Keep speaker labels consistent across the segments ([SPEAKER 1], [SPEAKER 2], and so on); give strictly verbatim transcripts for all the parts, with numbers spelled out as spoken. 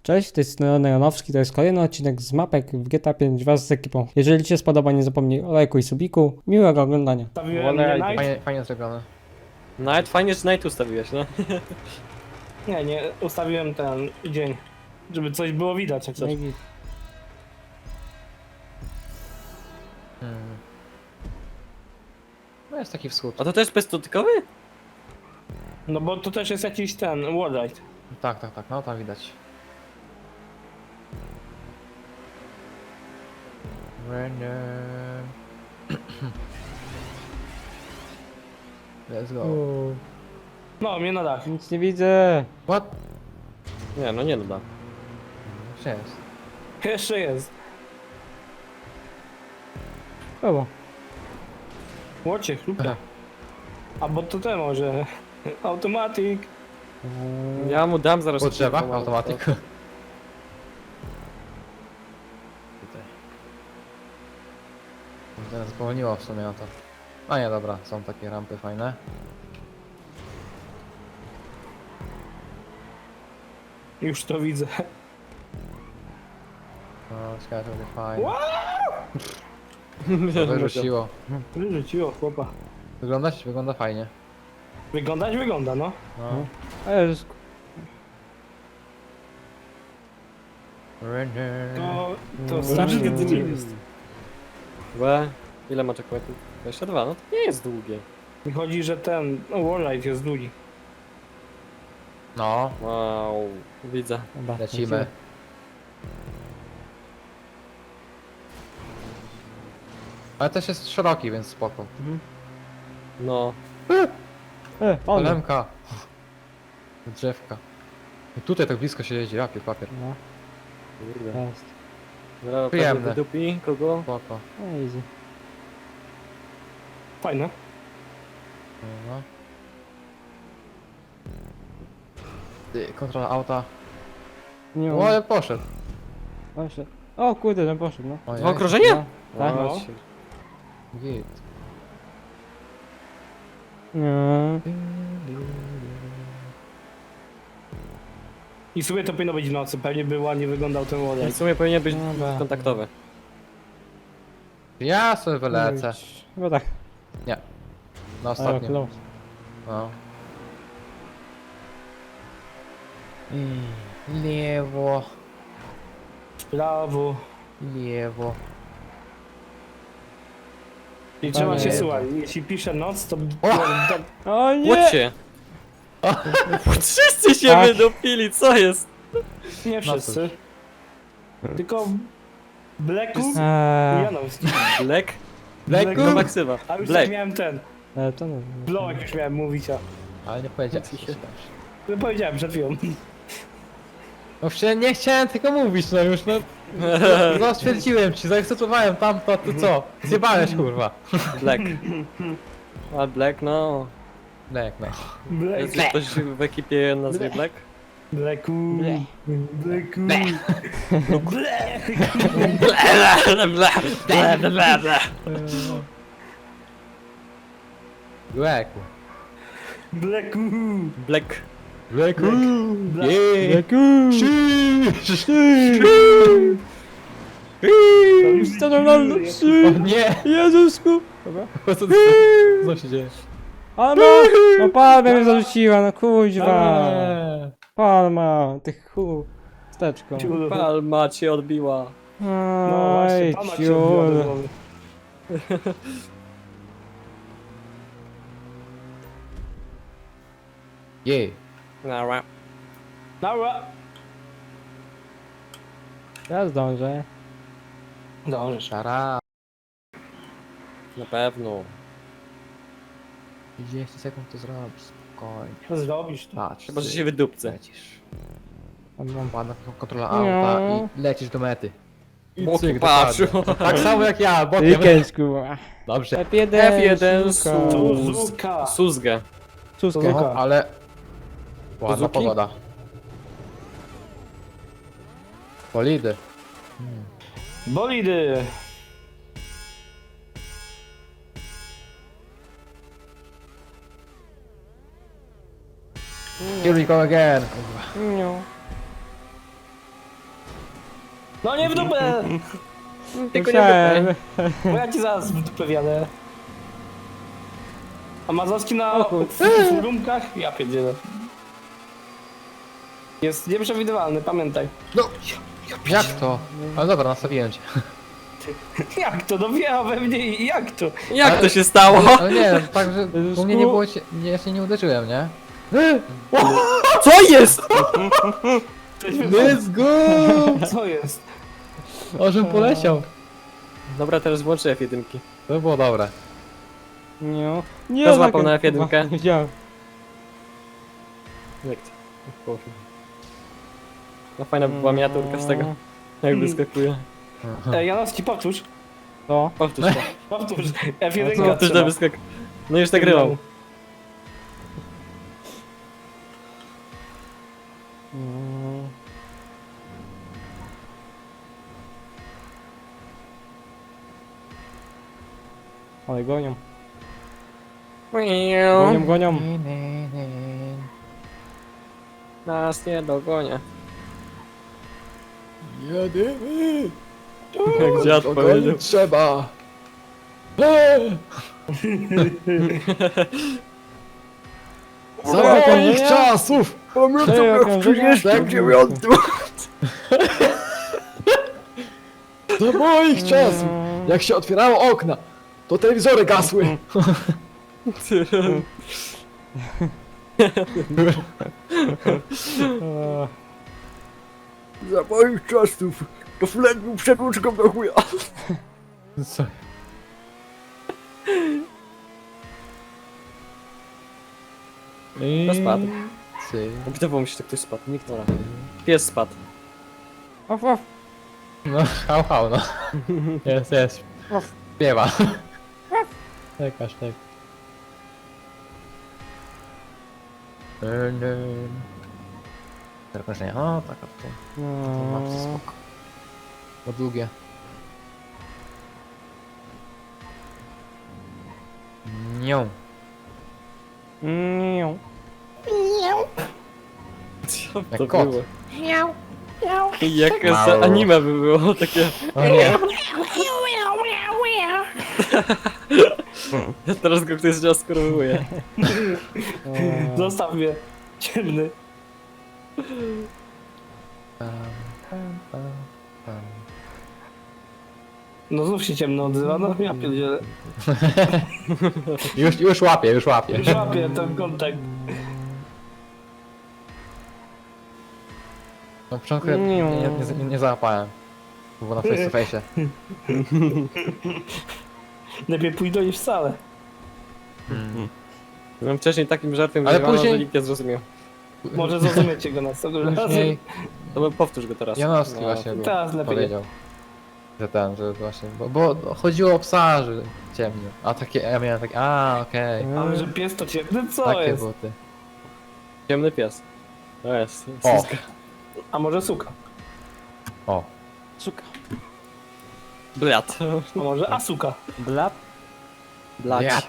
[SPEAKER 1] Cześć, to jest Neonowski, to jest kolejny odcinek z mapek w G T A pięć wraz z ekipą. Jeżeli Ci się spodoba, nie zapomnij o lajku i subiku. Miłego oglądania.
[SPEAKER 2] Stawiłem
[SPEAKER 3] Wolę-
[SPEAKER 2] nie Night?
[SPEAKER 3] Fajnie, fajnie zrobione.
[SPEAKER 4] Night, fajnie, że Night ustawiłeś, no.
[SPEAKER 2] Nie, nie, ustawiłem ten dzień, żeby coś było widać jak coś.
[SPEAKER 3] Hmm. No jest taki wschód.
[SPEAKER 4] A to też bezdotykowy?
[SPEAKER 2] No bo to też jest jakiś ten wallride.
[SPEAKER 3] Tak, tak, tak, no tam widać. Random. Let's go.
[SPEAKER 1] Uuu,
[SPEAKER 2] No, mnie na dach.
[SPEAKER 1] nic nie widzę.
[SPEAKER 3] What?
[SPEAKER 4] Nie, no nie doda.
[SPEAKER 3] Gdzie jest?
[SPEAKER 2] Jeszcze jest.
[SPEAKER 1] Było.
[SPEAKER 2] Łocie, chlupia. A bo to ten może. Automatic.
[SPEAKER 1] Eee,
[SPEAKER 4] Ja mu dam zaraz...
[SPEAKER 3] Po drzewach?
[SPEAKER 4] kilka
[SPEAKER 3] Automatyk.
[SPEAKER 4] moment.
[SPEAKER 3] Tutaj. Teraz zwolniło w sumie na to. A nie, dobra, są takie rampy fajne.
[SPEAKER 2] Już to widzę.
[SPEAKER 3] No, ciekawe, to będzie fajne.
[SPEAKER 2] Wow!
[SPEAKER 3] To wyrzuciło.
[SPEAKER 2] Wyrzuciło chłopa.
[SPEAKER 3] Wyglądać? Wygląda fajnie.
[SPEAKER 2] Wyglądać wygląda, no.
[SPEAKER 3] No.
[SPEAKER 1] A Jezus.
[SPEAKER 3] Random.
[SPEAKER 2] To, to
[SPEAKER 1] Mm.
[SPEAKER 2] strasznie
[SPEAKER 1] Mm.
[SPEAKER 2] długie jest.
[SPEAKER 4] Łe, ile ma checkpointów? dwadzieścia dwa, no to nie jest długie.
[SPEAKER 2] Mi chodzi, że ten no, wallride jest długi.
[SPEAKER 3] No,
[SPEAKER 4] Wow, widzę.
[SPEAKER 1] Dobra,
[SPEAKER 3] lecimy. Ale też jest szeroki, więc spoko.
[SPEAKER 4] No.
[SPEAKER 1] E, on.
[SPEAKER 3] Lemka. Drzewka. I tutaj tak blisko się jeździ, jakie papier.
[SPEAKER 1] No,
[SPEAKER 4] Kurde.
[SPEAKER 1] jest.
[SPEAKER 4] Zaraz
[SPEAKER 3] Przyjemne.
[SPEAKER 4] pewnie wydupi kogo?
[SPEAKER 3] Spoko.
[SPEAKER 1] Easy.
[SPEAKER 2] Fajne.
[SPEAKER 3] No. Ty, kontrola auta.
[SPEAKER 1] Nie
[SPEAKER 3] O, ale poszedł.
[SPEAKER 1] Poszedł. O kurde, ten poszedł, no.
[SPEAKER 3] Ojej.
[SPEAKER 4] Dwa okrążenia?
[SPEAKER 1] No, tak.
[SPEAKER 2] No.
[SPEAKER 4] Chodź.
[SPEAKER 3] Git.
[SPEAKER 1] Nie.
[SPEAKER 2] I sobie to powinno być w nocy. Pewnie by ładnie wyglądał ten
[SPEAKER 4] I w
[SPEAKER 2] wallride.
[SPEAKER 4] sumie powinien być
[SPEAKER 1] Dobra.
[SPEAKER 4] kontaktowy.
[SPEAKER 3] Ja sobie wylecę.
[SPEAKER 1] Chyba tak.
[SPEAKER 3] Nie. Na
[SPEAKER 1] Ale
[SPEAKER 3] ostatnim.
[SPEAKER 1] close.
[SPEAKER 3] No. Lewo.
[SPEAKER 2] W prawo.
[SPEAKER 3] Lewo.
[SPEAKER 2] I trzeba się
[SPEAKER 3] nie.
[SPEAKER 2] słuchać. Jeśli pisze noc, to...
[SPEAKER 3] O!
[SPEAKER 2] to
[SPEAKER 1] O nie!
[SPEAKER 4] Łódźcie! Wszyscy się
[SPEAKER 1] Tak.
[SPEAKER 4] wydupili, co jest?
[SPEAKER 2] nie wszyscy. Tylko... Blacku i
[SPEAKER 1] Eee,
[SPEAKER 2] Janowski.
[SPEAKER 4] Black?
[SPEAKER 3] Blacku!
[SPEAKER 4] No maksywa.
[SPEAKER 2] A już
[SPEAKER 4] Black.
[SPEAKER 2] tak miałem ten.
[SPEAKER 1] e, to nie.
[SPEAKER 2] Blołek już miałem mówić, a...
[SPEAKER 3] Ale nie powiedziałem.
[SPEAKER 2] No powiedziałem przed chwilą.
[SPEAKER 3] No przecież nie chciałem tylko mówić, no już no. No stwierdziłem ci, zaakceptowałem tamto, to co? Zjebałeś kurwa.
[SPEAKER 4] Black. A Black, no.
[SPEAKER 3] Black, no.
[SPEAKER 2] Black.
[SPEAKER 4] Jest ktoś w ekipie o nazwie Black?
[SPEAKER 2] Blacku.
[SPEAKER 1] Ble.
[SPEAKER 2] Blacku. Black.
[SPEAKER 4] Bla, bla, bla, bla, bla.
[SPEAKER 3] Black.
[SPEAKER 2] Blacku.
[SPEAKER 4] Black.
[SPEAKER 3] Blacku.
[SPEAKER 2] Black.
[SPEAKER 3] Yeah.
[SPEAKER 1] Jaku! Co to mam?
[SPEAKER 3] O nie!
[SPEAKER 1] Jezusku! Dobra.
[SPEAKER 3] Co, co, co się dzieje?
[SPEAKER 1] Ale ma! No palma mnie zarzuciła, no kuźwa!
[SPEAKER 3] Eee.
[SPEAKER 1] Palma, ty chu... Steczko.
[SPEAKER 2] Ciul.
[SPEAKER 4] Palma cię odbiła.
[SPEAKER 2] No właśnie,
[SPEAKER 1] Oj,
[SPEAKER 2] pana cię odbiła do
[SPEAKER 1] ciul.
[SPEAKER 2] głowy.
[SPEAKER 3] Jej.
[SPEAKER 4] Nara.
[SPEAKER 2] Dobra.
[SPEAKER 1] Ja zdążę.
[SPEAKER 2] Dobrze.
[SPEAKER 3] Szara.
[SPEAKER 4] Na pewno.
[SPEAKER 3] trzydzieści sekund to zrobisz, spokojnie.
[SPEAKER 2] Zrobisz to.
[SPEAKER 3] Patrz.
[SPEAKER 4] Chyba, że
[SPEAKER 3] ty
[SPEAKER 4] się wydupcę.
[SPEAKER 3] Lecisz.
[SPEAKER 1] Tam mam.
[SPEAKER 3] Ładna kontrola auta i lecisz do mety. I
[SPEAKER 4] Boku
[SPEAKER 3] cyk,
[SPEAKER 4] patrzył.
[SPEAKER 3] dokładnie. Tak samo jak ja, bokiem.
[SPEAKER 1] Weekend, kurwa.
[SPEAKER 3] Dobrze.
[SPEAKER 1] F jeden,
[SPEAKER 4] F jeden,
[SPEAKER 1] suka.
[SPEAKER 4] su-
[SPEAKER 2] Suzuka.
[SPEAKER 4] Suzgę.
[SPEAKER 1] Suskę.
[SPEAKER 2] Suzuka.
[SPEAKER 3] No, ale... Ładna
[SPEAKER 4] Suzuki?
[SPEAKER 3] pogoda. Bolidy.
[SPEAKER 2] Bolidy.
[SPEAKER 3] Here we go again.
[SPEAKER 1] No.
[SPEAKER 2] No nie w dupę!
[SPEAKER 4] Tylko nie
[SPEAKER 1] Musiałem.
[SPEAKER 4] wypchaj.
[SPEAKER 2] Bo ja ci zaraz w dupę wjadę. A Mazowski na
[SPEAKER 1] O kur-
[SPEAKER 2] furumkach? Ja pierdzielę. Jest nieprzewidywalny, pamiętaj.
[SPEAKER 3] No, jak to? Ale dobra, nastawiłem cię.
[SPEAKER 2] Jak to? No wjechał we mnie i jak to?
[SPEAKER 4] Jak
[SPEAKER 3] Ale-
[SPEAKER 4] to się stało?
[SPEAKER 3] Ale nie, tak, że u mnie nie było cię, nie, ja się nie uderzyłem, nie?
[SPEAKER 4] Co jest?
[SPEAKER 2] Coś wypadło.
[SPEAKER 3] Let's go!
[SPEAKER 2] Co jest?
[SPEAKER 3] O, żebym poleciał.
[SPEAKER 4] Dobra, teraz włączę F jeden.
[SPEAKER 3] To było dobre.
[SPEAKER 1] Nie. Nie,
[SPEAKER 4] Kto złapał
[SPEAKER 1] tak-
[SPEAKER 4] na F jeden?
[SPEAKER 1] Kurwa, Nie widziałem.
[SPEAKER 4] Jak to? No fajna była miniaturka z tego. Jak wyskakuje.
[SPEAKER 2] Ej, Janowski, powtórz.
[SPEAKER 1] To?
[SPEAKER 4] Powtórz to.
[SPEAKER 2] Powtórz. F jeden
[SPEAKER 1] No
[SPEAKER 4] Powtórz to
[SPEAKER 2] trzeba.
[SPEAKER 4] wyskak. No już nagrywał.
[SPEAKER 1] Mm. Ale gonią. Gonią, gonią.
[SPEAKER 4] Nas nie dogonia.
[SPEAKER 3] Jedyny!
[SPEAKER 4] Jak dziad powiedział.
[SPEAKER 3] trzeba!
[SPEAKER 1] Za moich
[SPEAKER 3] czasów!
[SPEAKER 1] Pamiętam jak w trzydziestym dziewiątym.
[SPEAKER 3] Za moich czasów! Jak się otwierało okna, to telewizory gasły.
[SPEAKER 1] Eee,
[SPEAKER 3] Za moich czasów to flet był przedłuczką do chuja. Co?
[SPEAKER 4] To spadł.
[SPEAKER 3] Ty.
[SPEAKER 4] Wydawało mi się, że ktoś spadł. Nikt nie. Pies spadł.
[SPEAKER 1] Of, of.
[SPEAKER 3] No, hał, hał, no. Jest, jest. Śpiewa. Czekasz, tak. Zakończenie. O, tak, to. To ma
[SPEAKER 1] No.
[SPEAKER 3] spoko. Bo długie. Nią.
[SPEAKER 1] Nie.
[SPEAKER 4] Co
[SPEAKER 3] Jak
[SPEAKER 4] to
[SPEAKER 3] kot.
[SPEAKER 4] było? Jakie za
[SPEAKER 3] Mało.
[SPEAKER 4] anime by było takie.
[SPEAKER 3] O nie.
[SPEAKER 4] Ja teraz go ktoś zaskorowuje.
[SPEAKER 1] Eee,
[SPEAKER 2] Zostaw mnie. Ciemny.
[SPEAKER 3] Pam, pam, pam, pam.
[SPEAKER 2] No znów się ciemno odzywa, no ja pierdzielę.
[SPEAKER 3] Już, już łapię, już łapię.
[SPEAKER 2] Już łapię ten kontakt.
[SPEAKER 3] Na początku ja nie, nie, nie, nie załapałem. To było na face to face.
[SPEAKER 2] Lepiej pójdę niż wcale.
[SPEAKER 3] Mm.
[SPEAKER 4] Byłem wcześniej takim żartem,
[SPEAKER 3] Ale
[SPEAKER 4] że
[SPEAKER 3] później-
[SPEAKER 4] później... nikt nie zrozumiał.
[SPEAKER 2] Może zrozumiecie go następnym razem.
[SPEAKER 3] Później
[SPEAKER 4] To by powtórz go teraz.
[SPEAKER 3] Janowski
[SPEAKER 4] No.
[SPEAKER 3] właśnie był,
[SPEAKER 2] Teraz lepiej.
[SPEAKER 3] powiedział. Że ten, że właśnie, bo, bo chodziło o psa, że ciemno. A takie, ja miałem takie, a okej.
[SPEAKER 2] Ale że pies to ciemny, co
[SPEAKER 3] Takie
[SPEAKER 2] jest?
[SPEAKER 3] buty.
[SPEAKER 4] Ciemny pies. To jest.
[SPEAKER 3] O.
[SPEAKER 4] Suska.
[SPEAKER 2] A może suka?
[SPEAKER 3] O.
[SPEAKER 1] Suka.
[SPEAKER 4] Blat.
[SPEAKER 2] A może asuka?
[SPEAKER 1] Blat.
[SPEAKER 4] Blat.
[SPEAKER 3] Blat.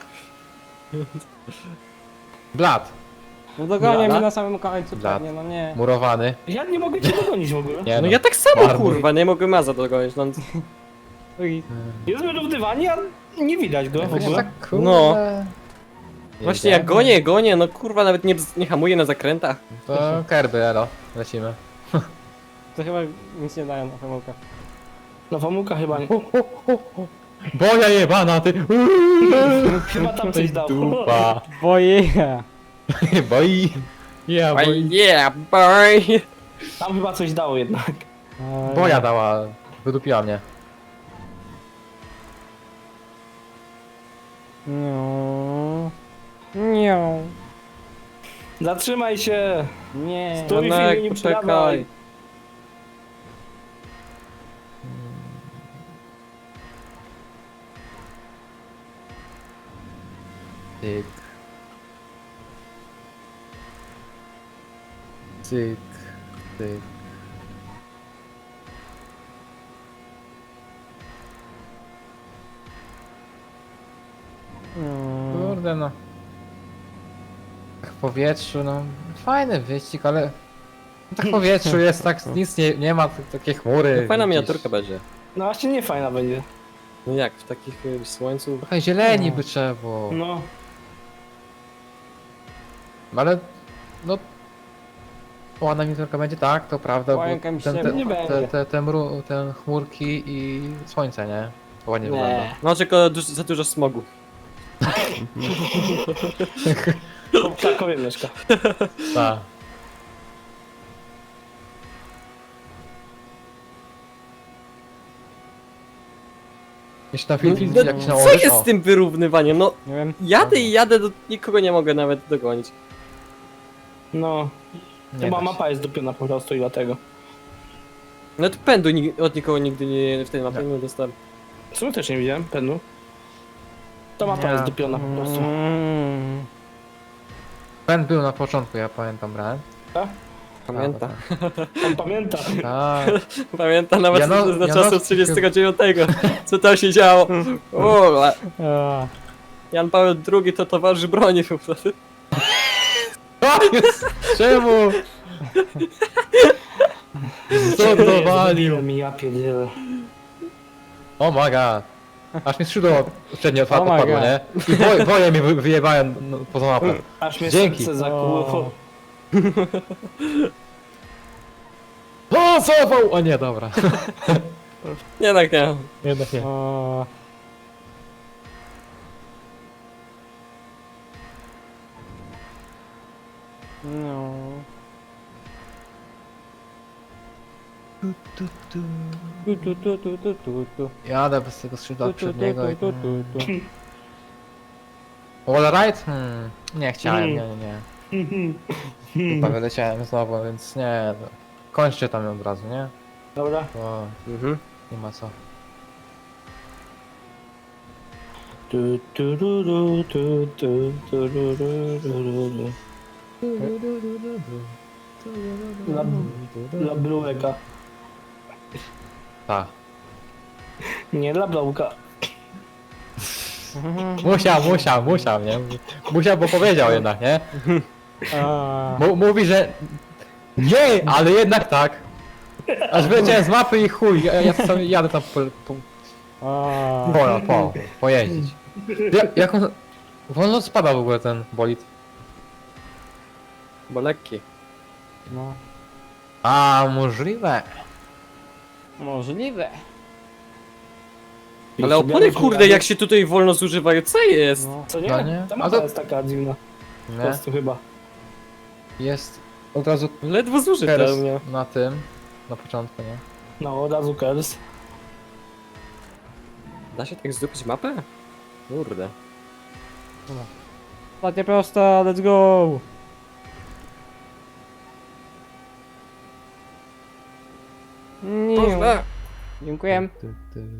[SPEAKER 3] Blat.
[SPEAKER 1] No dogonię
[SPEAKER 4] Blat?
[SPEAKER 1] mnie na samym końcu
[SPEAKER 3] Blat.
[SPEAKER 1] pewnie, no nie.
[SPEAKER 3] Murowany.
[SPEAKER 2] Ja nie mogę cię dogonić w ogóle.
[SPEAKER 3] Nie
[SPEAKER 4] No
[SPEAKER 3] no.
[SPEAKER 4] ja tak samo
[SPEAKER 3] Marmur.
[SPEAKER 4] kurwa, nie mogłem Maza dogonić. No,
[SPEAKER 1] Ui.
[SPEAKER 2] Jest wyrównywani, a nie widać go w
[SPEAKER 3] Jakoś
[SPEAKER 2] ogóle.
[SPEAKER 3] tak, kurde.
[SPEAKER 4] No. właśnie jak
[SPEAKER 3] Jedziemy.
[SPEAKER 4] gonię, gonię, no kurwa nawet nie, nie hamuję na zakrętach.
[SPEAKER 3] To kerby, elo. Lecimy.
[SPEAKER 1] To chyba nic nie dają na pomyłkę.
[SPEAKER 2] Na Famułka chyba nie.
[SPEAKER 3] Boja jebana, ty!
[SPEAKER 2] Chyba tam coś dało.
[SPEAKER 3] Dupa.
[SPEAKER 1] Boję.
[SPEAKER 3] Boi. Ja,
[SPEAKER 4] Oh
[SPEAKER 3] boi.
[SPEAKER 4] yeah, boy!
[SPEAKER 2] Tam chyba coś dało jednak.
[SPEAKER 1] Eee,
[SPEAKER 3] Boja dała. Wydupiła mnie.
[SPEAKER 1] No. Nie.
[SPEAKER 2] Zatrzymaj się!
[SPEAKER 1] Nie.
[SPEAKER 2] Stój w
[SPEAKER 4] Janek,
[SPEAKER 2] imieniu
[SPEAKER 4] poczekaj.
[SPEAKER 2] prawej.
[SPEAKER 3] Cyk. Cyk. Cyk.
[SPEAKER 1] Mm.
[SPEAKER 3] Kurde no. Tak w powietrzu, no. Fajny wyścig, ale Tak w powietrzu jest, tak nic nie, nie ma, t- takie chmury.
[SPEAKER 4] No, fajna
[SPEAKER 3] gdzieś.
[SPEAKER 4] miniaturka będzie.
[SPEAKER 2] No właśnie nie fajna będzie.
[SPEAKER 4] No jak, w takich y, słońcu.
[SPEAKER 3] Trochę zieleni
[SPEAKER 1] No.
[SPEAKER 3] by trzeba było.
[SPEAKER 2] No.
[SPEAKER 3] Ale, no... Ładna miniaturka będzie, tak, to prawda, bo
[SPEAKER 1] Łańka mi
[SPEAKER 3] ten,
[SPEAKER 1] się
[SPEAKER 3] ten,
[SPEAKER 2] nie
[SPEAKER 3] te,
[SPEAKER 2] będzie.
[SPEAKER 3] te, te, mru, ten chmurki i słońce, nie? To ładnie wygląda.
[SPEAKER 2] Nie.
[SPEAKER 4] No tylko duż, za dużo smogu.
[SPEAKER 2] W Krakowie mieszka.
[SPEAKER 3] Tak. Jeśli na film, film
[SPEAKER 4] No,
[SPEAKER 3] jakiś
[SPEAKER 4] co
[SPEAKER 3] nałożysz,
[SPEAKER 4] jest
[SPEAKER 3] o.
[SPEAKER 4] z tym wyrównywaniem? No
[SPEAKER 1] Nie wiem.
[SPEAKER 4] jadę i jadę, do, nikogo nie mogę nawet dogonić.
[SPEAKER 2] No.
[SPEAKER 3] Nie
[SPEAKER 2] Chyba
[SPEAKER 3] da się.
[SPEAKER 2] mapa jest dupiona po prostu i dlatego.
[SPEAKER 4] No to pędu nig- od nikogo nigdy nie, w tej mapie nie dostałem.
[SPEAKER 2] W sumie też nie widziałem, penu. To mapa
[SPEAKER 3] Nie.
[SPEAKER 2] jest dupiona po prostu.
[SPEAKER 1] Mm.
[SPEAKER 3] Pen był na początku, ja pamiętam, brałem.
[SPEAKER 4] Pamiętam.
[SPEAKER 2] On pamięta.
[SPEAKER 3] Tak.
[SPEAKER 4] Pamiętam nawet
[SPEAKER 3] Jano-
[SPEAKER 4] z- za
[SPEAKER 3] Janowski-
[SPEAKER 4] czasów trzydziestego dziewiątego. Co tam się działo. O, a
[SPEAKER 1] A,
[SPEAKER 4] Jan Paweł drugi to towarzysz broni po prostu.
[SPEAKER 3] Czemu? Co dowalił?
[SPEAKER 2] mi ja pierdzielę.
[SPEAKER 3] O my god. Aż mi skrzydło przednie otwarte
[SPEAKER 1] Oh my
[SPEAKER 3] padło,
[SPEAKER 1] God.
[SPEAKER 3] nie? I woje, woje mi wy- wyjebałem no, poza mapę.
[SPEAKER 2] Aż mnie
[SPEAKER 3] Dzięki.
[SPEAKER 2] serce zakłuło.
[SPEAKER 3] O, cofał! O nie, dobra.
[SPEAKER 4] Jednak nie.
[SPEAKER 3] Jednak nie.
[SPEAKER 1] a. No. Tu, tu, tu, tu, tu, tu, tu.
[SPEAKER 3] Jadę bez tego skrzydła
[SPEAKER 1] Tu, tu, tu,
[SPEAKER 3] przedniego i...
[SPEAKER 1] tu, tu, tu.
[SPEAKER 3] Wall ride? Hmm. Nie chciałem, nie,
[SPEAKER 2] Hmm.
[SPEAKER 3] nie, nie. Chyba wyleciałem znowu, więc nie. No. Kończcie tam od razu, nie?
[SPEAKER 2] Dobra.
[SPEAKER 3] Bo
[SPEAKER 4] Mhm.
[SPEAKER 3] nie ma co.
[SPEAKER 2] Tu, tu, ru, ru, tu, tu, tu, ru, ru, ru, ru. Dla, dla Blueka.
[SPEAKER 3] Tak.
[SPEAKER 2] Nie dla Blauka.
[SPEAKER 3] Musiał, musiał, musiał, nie? Musiał, bo powiedział jednak, nie?
[SPEAKER 1] A.
[SPEAKER 3] M mówi, że... Nie, ale jednak tak. Aż wyleciałem z mapy i chuj, ja, ja sam jadę tam po, po,
[SPEAKER 1] A.
[SPEAKER 3] po, po, pojeździć. Ja, jak on... Wolno spada w ogóle ten bolid.
[SPEAKER 4] Bo lekki.
[SPEAKER 1] No.
[SPEAKER 3] A, możliwe.
[SPEAKER 1] Możliwe.
[SPEAKER 4] Ale opony kurde jak się tutaj wolno zużywają, co jest?
[SPEAKER 1] No.
[SPEAKER 2] Co nie?
[SPEAKER 3] No nie?
[SPEAKER 2] Ta
[SPEAKER 3] A
[SPEAKER 2] mapa
[SPEAKER 3] to-
[SPEAKER 2] jest taka dziwna. Po
[SPEAKER 3] Nie?
[SPEAKER 2] prostu chyba.
[SPEAKER 3] Jest od razu
[SPEAKER 4] Ledwo zużyte
[SPEAKER 3] teraz
[SPEAKER 4] u mnie.
[SPEAKER 3] na tym, na początku, nie?
[SPEAKER 2] No, od razu Kers.
[SPEAKER 4] Da się tak zdupić mapę? Kurde.
[SPEAKER 1] Ostatnia prosta, let's go! Nie.
[SPEAKER 4] Proste.
[SPEAKER 1] Dziękuję.
[SPEAKER 3] Ty, ty.